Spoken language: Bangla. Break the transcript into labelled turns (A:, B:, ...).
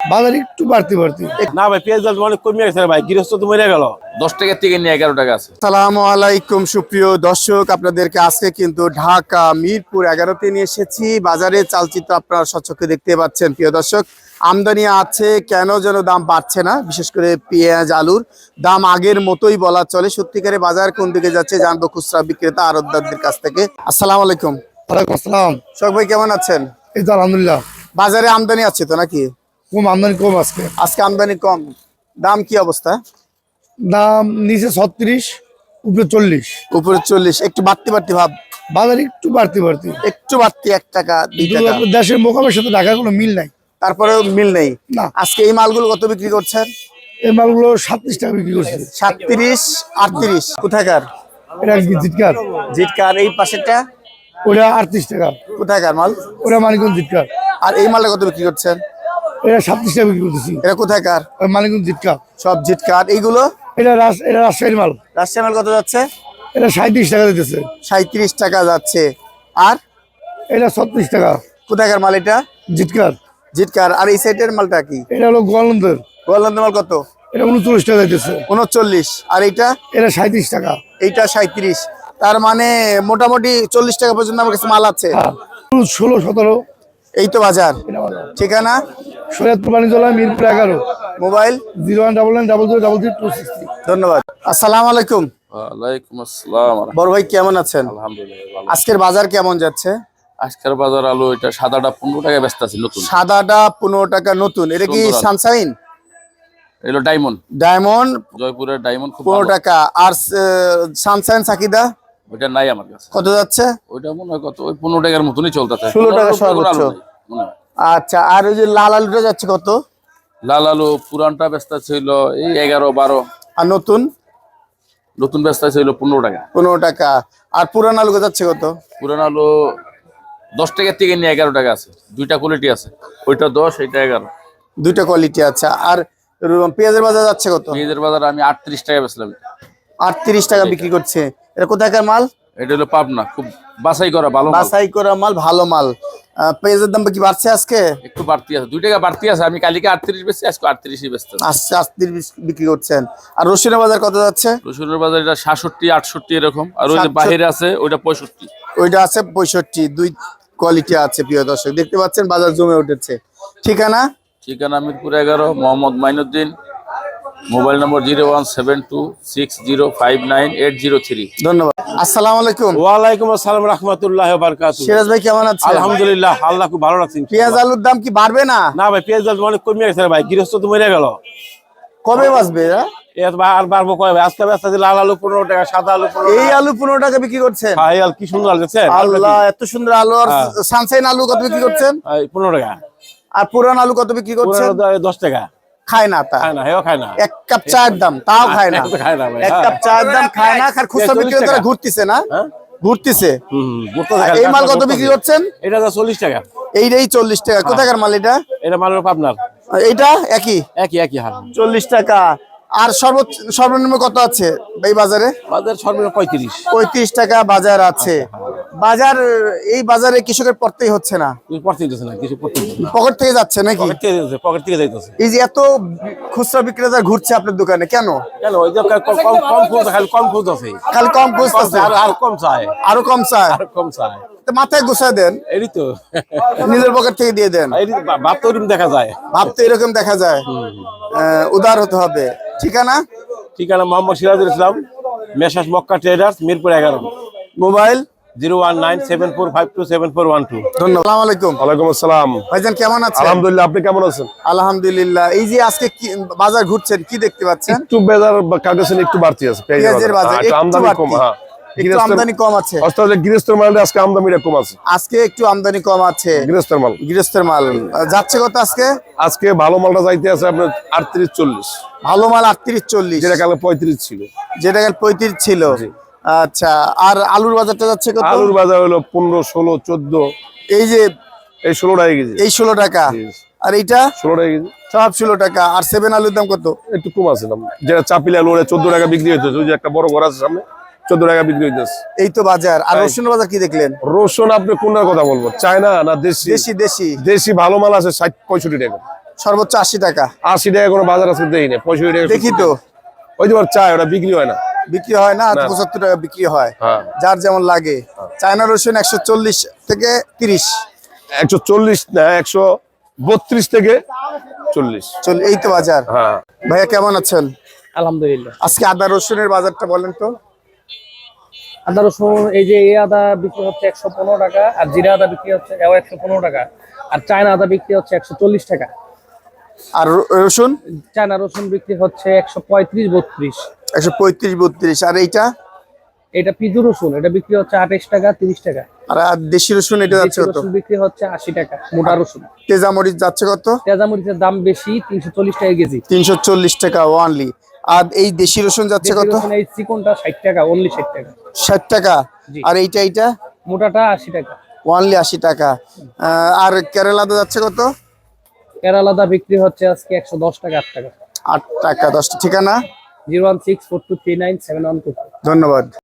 A: বাজার একটু বাড়তি বাড়তি।
B: না ভাই, পেঁয়াজ দাম অনেক কমে গেছে ভাই, গৃহস্থ তো মরে গেল।
C: 10 টাকা থেকে নিয়ে 11 টাকা আছে।
D: আসসালামু আলাইকুম সুপ্রিয় দর্শক, আপনাদেরকে আজকে কিন্তু ঢাকা মিরপুর 11-তে নিয়ে এসেছি। বাজারে চালচিত্র আপনারা সচক্ষে দেখতে পাচ্ছেন। প্রিয় দর্শক, আমদানি আছে, কেন যেন দাম বাড়ছে না। বিশেষ করে পেঁয়াজ আলুর দাম আগের মতোই বলা চলে। সত্যিকারে বাজার কোন দিকে যাচ্ছে জানবো খুচরা বিক্রেতা আড়তদারদের কাছ থেকে। আসসালামু আলাইকুম।
A: ওয়ালাইকুম আসসালাম।
D: শোক ভাই, কেমন আছেন?
A: এই তো আলহামদুলিল্লাহ।
D: বাজারে আমদানি আছে তো নাকি?
A: কম আমদানি, কম আজকে।
D: আজকে আমদানি কম, দাম কি অবস্থা?
A: দাম নিচে 36, উপরে 40।
D: উপরে 40, একটু বাড়তি বাড়তি ভাব।
A: বাজার একটু বাড়তি বাড়তি,
D: একটু বাড়তি 1 টাকা 2
A: কিন্তু
D: টাকা,
A: আপনার দেশের মোকামের সাথে ঢাকার কোনো মিল নাই।
D: তারপরেও মিল নেই
A: না।
D: আজকে এই মালগুলো কত বিক্রি করছেন?
A: এই মালগুলো 37 টাকা বিক্রি করছে।
D: 37, 38 কোথাকার?
A: এটা জিটকার।
D: জিটকার। এই পাশেরটা
A: ওটা 38 টাকা।
D: কোথাকার মাল?
A: ওটা মানিকগঞ্জ জিটকার।
D: আর এই মালটা কত বিক্রি করছেন?
A: এটা 37 টাকা বিক্রি করতেছি।
D: এটা কোথাকার?
A: মানিকগঞ্জ জিটকা।
D: সব জিটকার। এইগুলো
A: এটা রাজশাহীর মাল।
D: রাজশাহী মাল কত যাচ্ছে?
A: এটা 37 টাকা দিতেছে।
D: 37 টাকা যাচ্ছে। আর
A: এটা 36 টাকা।
D: কোথাকার মাল এটা?
A: জিটকার।
D: জিটকার। আর এই সাইডের মালটা কি?
A: এটা হলো গোয়ালন্দের।
D: গোয়ালন্দ মাল কত?
A: এটা 39 টাকা দিতেছে।
D: 39। আর এইটা?
A: এটা 37 টাকা।
D: এইটা 37। তার মানে মোটামুটি 40 টাকা পর্যন্ত আমার কাছে মাল আছে।
A: হ্যাঁ, 16, 17।
D: এই তো বাজার। ঠিকানা?
A: শরীয়তপুর বাণিজ্যালয়, মিরপুর 11।
D: মোবাইল
A: 0199000260।
D: ধন্যবাদ। আসসালামু আলাইকুম।
C: ওয়ালাইকুম আসসালাম।
D: বড় ভাই, কেমন আছেন?
C: আলহামদুলিল্লাহ ভালো।
D: আজকের বাজার কেমন যাচ্ছে?
C: আজকের বাজার আলু এটা সাদাটা 15 টাকা ব্যস্ত আছে নতুন।
D: সাদাটা 15 টাকা নতুন। এটা কি
C: সুন্দর আলু।
D: সানশাইন?
C: এলো ডায়মন্ড,
D: ডায়মন্ড
C: জয়পুরের ডায়মন্ড খুব
D: 15
C: ভালো।
D: টাকা। আর সানশাইন সাকিদা
C: ওইটা নাই আমার কাছে।
D: কত যাচ্ছে?
C: ওইটা মনে হয় কত, ওই 15 টাকার মতনই চলতেছে।
D: 16 টাকা সর্বোচ্চ। আচ্ছা, আর ওই যে লাল আলুটা যাচ্ছে কত?
C: লাল আলু পুরানটা ব্যস্ত ছিল এই 11-12।
D: আর নতুন?
C: নতুন ব্যস্ত ছিল 15 টাকা।
D: 15 টাকা। আর পুরান আলু যাচ্ছে কত?
C: পুরান আলু 10 টাকা থেকে নিয়ে 11 টাকা আছে। দুইটা কোয়ালিটি আছে, ওইটা 10, এইটা 11।
D: দুইটা কোয়ালিটি। আচ্ছা, আর পেঁয়াজের বাজার যাচ্ছে কত?
C: পেঁয়াজের বাজার আমি 38 টাকা বেচলাম।
D: 38 টাকা বিক্রি করছে। এটা কোথাকার মাল?
C: এটা হলো পাবনা, খুব বাছাই করা ভালো মাল।
D: বাছাই করা মাল, ভালো মাল। পেঁয়াজের দাম কি বাড়ছে আজকে?
C: একটু বাড়তি আছে, 2 টাকা বাড়তি আছে। আমি কালকে 38 বেচছি, আজকে 38ই বেচতে।
D: আজকে 38 বিক্রি করছেন। আর রসুনের বাজার কত যাচ্ছে?
C: রসুনের বাজার এটা 67, 68 এরকম। আর ওই যে
D: 67
C: বাহিরে আছে ওইটা 65।
D: ওইটা আছে 65। দুই কোয়ালিটি আছে। প্রিয় দর্শক, দেখতে পাচ্ছেন বাজার জমে উঠেছে। ঠিকানা?
C: ঠিকানা মিরপুর 11, মোহাম্মদ মাইনুদ্দিন। Mobile number 01726059803।
D: ধন্যবাদ। আসসালামু আলাইকুম।
B: ওয়ালাইকুম আসসালাম রাহমাতুল্লাহি ওয়া বারাকাতুহু।
D: সিরাজ ভাই, কেমন আছেন?
B: আলহামদুলিল্লাহ, আল্লাহ খুব ভালো রাখছেন।
D: পেঁয়াজ আলুর দাম কি বাড়বে না?
B: না ভাই, পেঁয়াজ দাম অনেক কমে গেছে ভাই, গৃহস্থ তো মরে গেল।
D: কবে বাঁচবে?
B: এত আর বাড়বো কয় ভাই? আজকে ব্যস্ত আছে লাল আলু 15 টাকা, সাদা আলু 15
D: এই
B: টাকা।
D: আলু 15 টাকা বিক্রি করছেন?
B: ভাই আল কি সুন্দর লাগছে।
D: আল্লাহ, এত সুন্দর আলু। আর সানশাইন আলু কত বিক্রি করছেন?
B: 15 টাকা।
D: আর পুরান আলু কত বিক্রি করছেন?
B: 10 টাকা।
D: খায় না তা?
B: খায় না, হেও খায় না।
D: 1 কাপ চায়ের দাম তাও খায় না।
B: খায় না ভাই।
D: 1 কাপ চায়ের দাম খায় না। আর খুচরা
B: 40
D: বিক্রেতারা
B: টাকা।
D: ঘুরতেছে না?
B: হ্যাঁ?
D: ঘুরতেছে।
B: ঘুরতেছে
D: আর
B: খালি,
D: এই মাল
B: কাঁচা
D: কত বিক্রি
B: ঘুরতেছে।
D: করছেন?
B: এটা 40 টাকা।
D: এইটাই 40 টাকা। কোথাকার মাল এটা?
B: এটা মালের পাবনার।
D: আর এইটা একই
B: একই হার।
D: 40 টাকা। আর সর্বনিম্ন কত আছে এই বাজারে?
B: বাজার সর্বনিম্ন 35।
D: 35 টাকা বাজার আছে। বাজার, এই বাজারে কৃষকের পড়তেই হচ্ছে না,
B: তুই পড়তে দিতেছ না, কিছু পড়তে দিতেছ না।
D: পকেট থেকে যাচ্ছে নাকি?
B: পকেট থেকে যাইতেছে।
D: এই যে এত খুচরা বিক্রেতা ঘুরছে আপনার দোকানে, কেন?
B: কেন? ওই যে কম খুঁজ, খালি কম খুঁজ আছে।
D: খালি কম খুঁজতেছে,
B: আর কম চায়।
D: আরো কম চায়।
B: আর কম চায়।
D: তো মাথায় গুছায় দেন,
B: এই তো
D: নিজের পকেট থেকে দিয়ে দেন।
B: এই ভাব তো ওরকম দেখা যায়।
D: ভাবতে এরকম দেখা যায়। উদার হতে হবে। ঠিকানা?
B: ঠিকানা Mohammad Sirajul Islam, messrs Mecca traders, Mirpur 11।
D: Mobile
B: 01974527412।
D: ধন্যবাদ। আসসালামু আলাইকুম।
E: ওয়ালাইকুম আসসালাম।
D: ভাইজান, কেমন আছেন?
E: আলহামদুলিল্লাহ, আপনি কেমন আছেন?
D: আলহামদুলিল্লাহ। এই যে আজকে বাজার ঘুরছেন, কি দেখতে পাচ্ছেন?
E: একটু বাজার কাগজের একটু বাড়তি আছে,
D: পেঁয়াজের বাজার
E: একটু
D: একটু
E: আমদানি
D: বাড়তি।
E: কম। হ্যাঁ,
D: একটু আমদানি কম আছে।
E: অর্থাৎ গৃহস্থের মালে আজকে আমদানিটা কম আছে।
D: আজকে একটু আমদানি কম আছে
E: গৃহস্থের মাল।
D: গৃহস্থের মাল যাচ্ছে কত আজকে?
E: আজকে ভালো মালটা যাইতে আছে আপনার 38-40।
D: ভালো মাল 38-40,
E: যেটা কালে 35 ছিল।
D: যেটা কাল 35 ছিল। আচ্ছা, আর আলুর বাজারটা যাচ্ছে কত?
E: আলুর বাজার হলো 15, 16, 14।
D: এই যে
E: এই 16 টাকা কেজি।
D: এই 16 টাকা। আর এইটা
E: 16 টাকা কেজি।
D: সব 16 টাকা। আর 7 আলুর দাম কত?
E: একটু কম আছে দাম। যেটা চাপিলা আলু 14 টাকা বিক্রি হইতেছে, ওই যে একটা বড় ঘর আছে সামনে, 14 টাকা বিক্রি হইতেছে।
D: এই তো বাজার। আর রসুনের বাজার কি দেখলেন?
E: রসুন আপনি কোনটার কথা বলবো, চায়না না দেশি?
D: দেশি।
E: দেশি ভালো মাল আছে 60-65 টাকা।
D: সর্বোচ্চ 80 টাকা।
E: 80 টাকা কোনো বাজার আছে দেই না, 65 টাকা।
D: দেখি তো,
E: ওই যে চায় ওটা বিক্রি হয় না।
D: বিক্রি হয় না, 75 টাকা বিক্রি হয়।
E: হ্যাঁ।
D: যার যেমন লাগে। চায়না রসুন 140 থেকে 30।
E: 140 না, 132 থেকে 40।
D: এই তো বাজার।
E: হ্যাঁ।
D: ভাইয়া কেমন আছেন?
F: আলহামদুলিল্লাহ।
D: আজকে আদা রসুনের বাজারটা বলেন তো।
F: আদা রসুন এই যে এই আদা বিক্রি হচ্ছে 115 টাকা, আর জিরা আদা বিক্রি হচ্ছে 115 টাকা, আর চায়না আদা বিক্রি হচ্ছে 140 টাকা।
D: আর রসুন
F: চায়না রসুন বিক্রি হচ্ছে 135-32।
D: 135 32। আর এইটা
F: এটা পিজু রসুন, এটা বিক্রি হচ্ছে 28 টাকা 30 টাকা।
D: আর দেশি রসুন এটা যাচ্ছে
F: দেশি
D: কত?
F: রসুন বিক্রি হচ্ছে 80 টাকা মোটা রসুন।
D: তেজামরিচ যাচ্ছে কত?
F: তেজামরিচের দাম বেশি, 340 টাকা কেজি।
D: 340 টাকা ওয়ানলি। আর এই দেশি রসুন যাচ্ছে
F: দেশি
D: কত?
F: রসুন এই চিকনটা 60 টাকা, অনলি 60 টাকা।
D: 60 টাকা।
F: জি।
D: আর এইটা
F: মোটাটা 80 টাকা।
D: ওয়ানলি 80 টাকা। আর কেরালাতে যাচ্ছে কত?
F: কেরালাদা বিক্রি হচ্ছে আজকে 110 টাকা 8 টাকা।
D: 8 টাকা 10 টা। ঠিকানা?
F: 01642397122।
D: ধন্যবাদ।